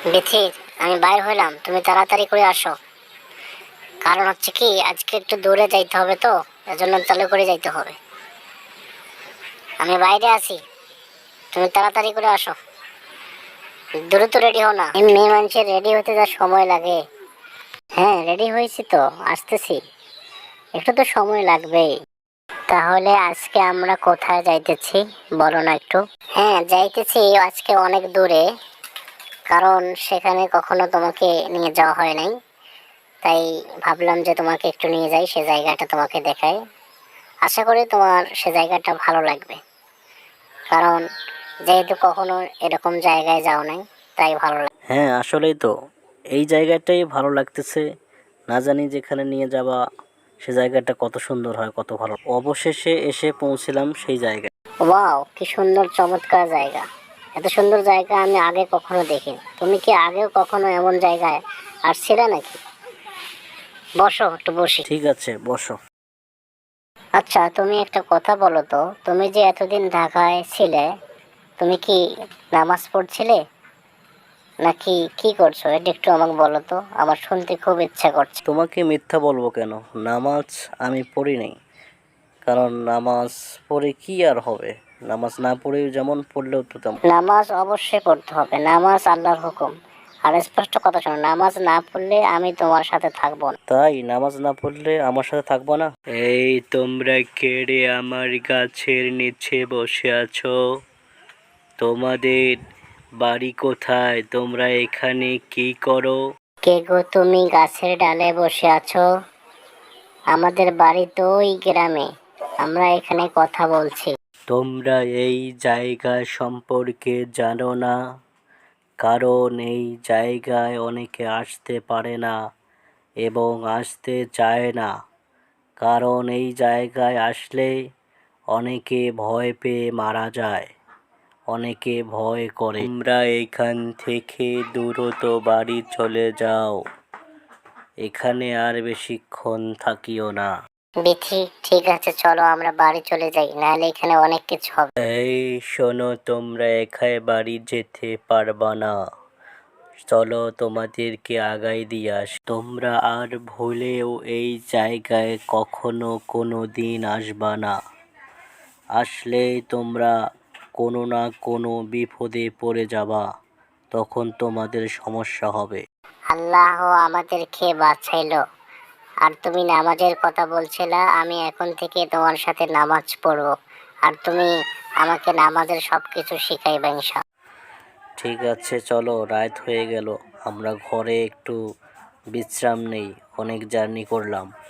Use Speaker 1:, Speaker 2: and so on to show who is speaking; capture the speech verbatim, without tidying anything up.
Speaker 1: বিথি, আমি বাইর হইলাম, তুমি তাড়াতাড়ি করে আসো। কারণ হচ্ছে কি, আজকে একটু দূরে যাইতে হবে, তো এজন্য চালু করে যাইতে হবে। আমি বাইরে আছি, তুমি তাড়াতাড়ি করে আসো। দ্রুত রেডি হও না, এই মেয়ে মানুষের রেডি হতে যা সময় লাগে। হ্যাঁ, রেডি হয়েছি তো, আসতেছি। একটু তো সময় লাগবেই। তাহলে আজকে আমরা কোথায় যাইতেছি বলো না একটু। হ্যাঁ, যাইতেছি আজকে অনেক দূরে, কারণ সেখানে কখনো তোমাকে নিয়ে যাওয়া হয় নাই। তাই ভাবলাম যে তোমাকে একটু নিয়ে যাই, সে জায়গাটা তোমাকে দেখাই। আশা করি তোমার সে জায়গাটা ভালো লাগবে, কারণ যেহেতু কখনো এরকম জায়গায় যাও নাই, তাই ভালো লাগে।
Speaker 2: হ্যাঁ, আসলেই তো এই জায়গাটাই ভালো লাগতেছে। না জানি যেখানে নিয়ে যাবা সে জায়গাটা কত সুন্দর হয়, কত ভালো। অবশেষে এসে পৌঁছলাম সেই জায়গায়।
Speaker 1: ওয়াও, কি সুন্দর চমৎকার জায়গা! এত সুন্দর জায়গা আমি আগে কখনো দেখিনি। তুমি কি আগেও কখনো এমন জায়গায় আসছিলে নাকি? বসো, একটু বসি।
Speaker 2: ঠিক আছে, বসো।
Speaker 1: আচ্ছা, তুমি একটা কথা বলো তো, তুমি যে এতদিন ঢাকায় ছিলে, তুমি কি নামাজ পড়ছিলে নাকি কি করছো? এটা একটু আমাকে বলো তো, আমার শুনতে খুব ইচ্ছা করছে।
Speaker 2: তোমাকে মিথ্যা বলবো কেন? নামাজ আমি পড়ি নাই। কারণ নামাজ পড়ে কি আর হবে? নামাজ না পড়েও যেমন, পড়লেও তো তেমন।
Speaker 1: নামাজ অবশ্যই পড়তে হবে, নামাজ আল্লাহর হুকুম। আর স্পষ্ট কথা শোনো, নামাজ না পড়লে আমি তোমার সাথে থাকবো না।
Speaker 2: তাই নামাজ না পড়লে আমার সাথে থাকবো না? এই তোমরা কে রে আমার গাছের নিচে বসে আছো? তোমাদের বাড়ি কোথায়? তোমরা এখানে কি করো?
Speaker 1: কে গো তুমি, গাছের ডালে বসে আছো? আমাদের বাড়ি তো ওই গ্রামে, আমরা এখানে কথা বলছি।
Speaker 2: তোমরা এই জায়গা সম্পর্কে জানো না, কারণ এই জায়গায় অনেকে আসতে পারে না এবং আসতে চায় না। কারণ এই জায়গায় আসলে অনেকে ভয় পেয়ে মারা যায়, অনেকে ভয় করে। তোমরা এখান থেকে দ্রুত বাড়ি চলে যাও, এখানে আর বেশিক্ষণ থাকিও না।
Speaker 1: বিথি, ঠিক আছে, চলো আমরা বাড়ি চলে যাই, নাহলে এখানে অনেক কিছু হবে।
Speaker 2: এই শোনো, তোমরা একাই বাড়ি যেতে পারবা না। চলো তোমাদেরকে আগাই দিয়ে আস। তোমরা আর ভুলেও এই জায়গায় কখনো কোনো দিন আসবা না। আসলেই তোমরা কোনো না কোনো বিপদে পড়ে যাবা, তখন তোমাদের সমস্যা হবে।
Speaker 1: আল্লাহ আমাদেরকে বাঁচাইলো। আর তুমি নামাজের কথা বলছিলা, আমি এখন থেকে তোমার সাথে নামাজ পড়বো, আর তুমি আমাকে নামাজের সব কিছু শিখাইবা ইনশাআল্লাহ।
Speaker 2: ঠিক আছে, চলো, রাত হয়ে গেল, আমরা ঘরে একটু বিশ্রাম নেই, অনেক জার্নি করলাম।